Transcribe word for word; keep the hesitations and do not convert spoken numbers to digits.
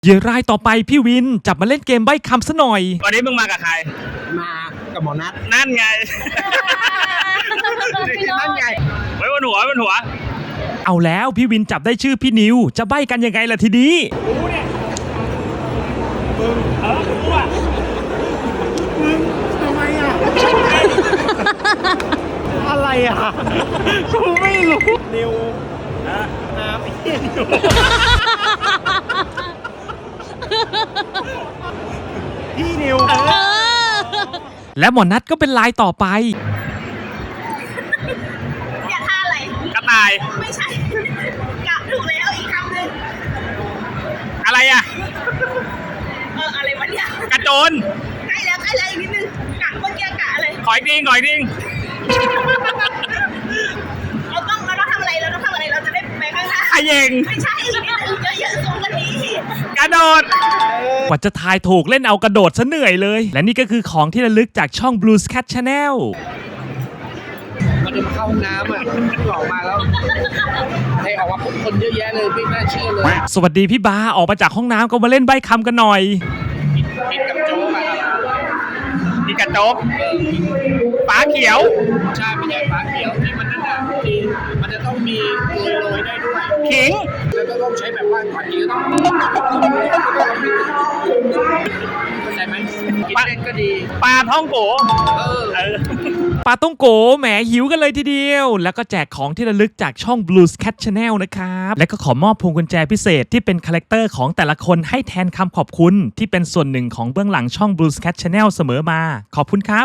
เหยื่อรายต่อไปพี่วินจับมาเล่นเกมใบ้คำซะหน่อยวันนี้มึงมากับใครมากับหมอนัทนั่นไงนั่นไงไว้บนหัวบนหัวเอาแล้วพี่วินจับได้ชื่อพี่นิวจะใบ้กันยังไงล่ะทีนี้เออกูอ่ะทำไมอ่ะ อะไรอ่ะกูไม่รู้นิวน้ำไอ้เหี้ยนิวพี่นิวและหมอนัทก็เป็นลายต่อไปอย่าท่าอะไรกระต่ายไม่ใช่กะถูกแล้วอีกคำหนึ่งอะไรอ่ะเอออะไรวะเนี่ยกระโจนใกล้แล้วใกล้แล้วอีกนิดนึงกะเมื่อกี้กะอะไรขอยดิงขอยดิงเราต้องเราต้องทำอะไรเราต้องทำอะไรเราจะได้ไปข้างหน้าขยงไม่ใช่อีกนิดนึงเยอะๆสูงกว่านี้กระโดดกว่าจะทายถูกเล่นเอากระโดดซะเหนื่อยเลย และนี่ก็คือของที่ระลึกจากช่อง Blues Cat Channel มันจะมาเข้าห้องน้ำอ่ะออกมาแล้วให้ออกมาพบคนเยอะแยะเลยไม่น่าเชื่อเลยสวัสดีพี่บาออกมาจากห้องน้ำก็มาเล่นใบ้คำกันหน่อยกินกับโจ๊กอ่ะมีกระโจกฟ้าเขียวใช่ไม่ใช่ฟ้าเขียวที่มันนั่นอ่ะที่มันจะต้องมีโรยโรยได้ด้วยขิงแล้วก็ต้องใช้แบบว่าก่อนกินก็ต้องเข้าใจไหมกินเล่นก็ดีปลาท่องโกเออเออปาต้องโกแหมหิวกันเลยทีเดียว แล้วก็แจกของที่ระลึกจากช่อง Blues Cat Channel นะครับ และก็ขอมอบพวงกุญแจพิเศษที่เป็นคาแรคเตอร์ของแต่ละคนให้แทนคำขอบคุณที่เป็นส่วนหนึ่งของเบื้องหลังช่อง Blues Cat Channel เสมอมา ขอบคุณครับ